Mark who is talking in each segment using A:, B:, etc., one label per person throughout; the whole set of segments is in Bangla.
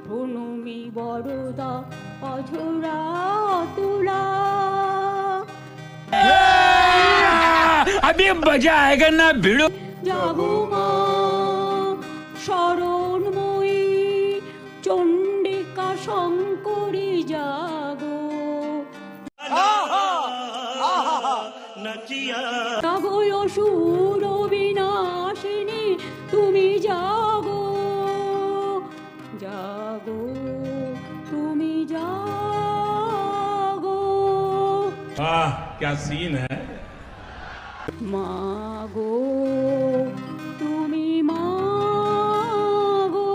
A: হনুমি বরদা অঝরা তুলা।
B: अभी मजा आएगा ना भिड़ो।
A: জাগো মা শরণময়ী চণ্ডিকা শঙ্করী জাগো। জাগো অসুর বিনাশিনী তুমি জাগো, জাগো তুমি জাগো।
C: वाह क्या सीन है।
A: মাগো তুমি মাগো।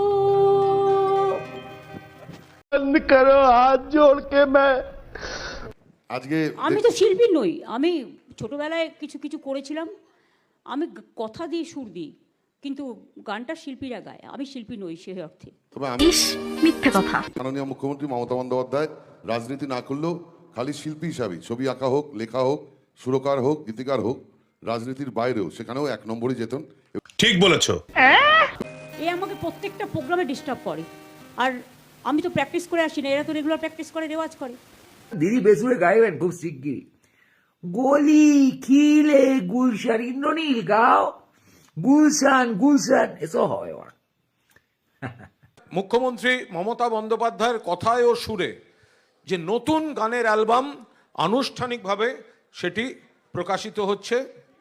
D: बंद करो हाथ जोड़ के मैं
E: আজকে
A: আমি তো শিল্পী নই, আমি ছোটবেলায় কিছু কিছু করেছিলাম, আমি কথা দিয়ে সুর দিই, কিন্তু গানটা শিল্পীরা গায়, আমি শিল্পী নই সে অর্থে।
E: তবে আমি
F: মিথ্যে কথা।
E: মাননীয় মুখ্যমন্ত্রী মমতা বন্দ্যোপাধ্যায় রাজনীতি না করলেও খালি শিল্পী হিসাবে ছবি আঁকা হোক, লেখা হোক, সুরকার হোক, গীতিকার হোক, রাজনীতির বাইরেও সেখানেও 1 নম্বরই যেতেন।
C: ঠিক বলেছো।
A: এ আমাকে প্রত্যেকটা প্রোগ্রামে ডিস্টার্ব করে, আর আমি তো প্র্যাকটিস করে আসি না, এরা তো রেগুলার প্র্যাকটিস করে, রেওয়াজ করে।
G: দিদি বেসুরে গাইবেন খুব শিগগিরই। গলি খিলে গুলশান ইন্দ্রনীল গাও, গুলশান গুলশান এসব হবে।
H: মুখ্যমন্ত্রী মমতা বন্দ্যোপাধ্যায়ের কথায় ও সুরে যে নতুন গানের অ্যালবাম আনুষ্ঠানিকভাবে সেটি প্রকাশিত হচ্ছে।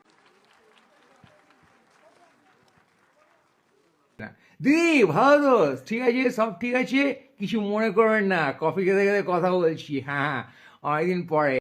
G: দিদি ভালো দোষ, ঠিক আছে, সব ঠিক আছে, কিছু মনে করবেন না, কফি খেতে খেতে কথা বলছি। হ্যাঁ, অনেকদিন পরে।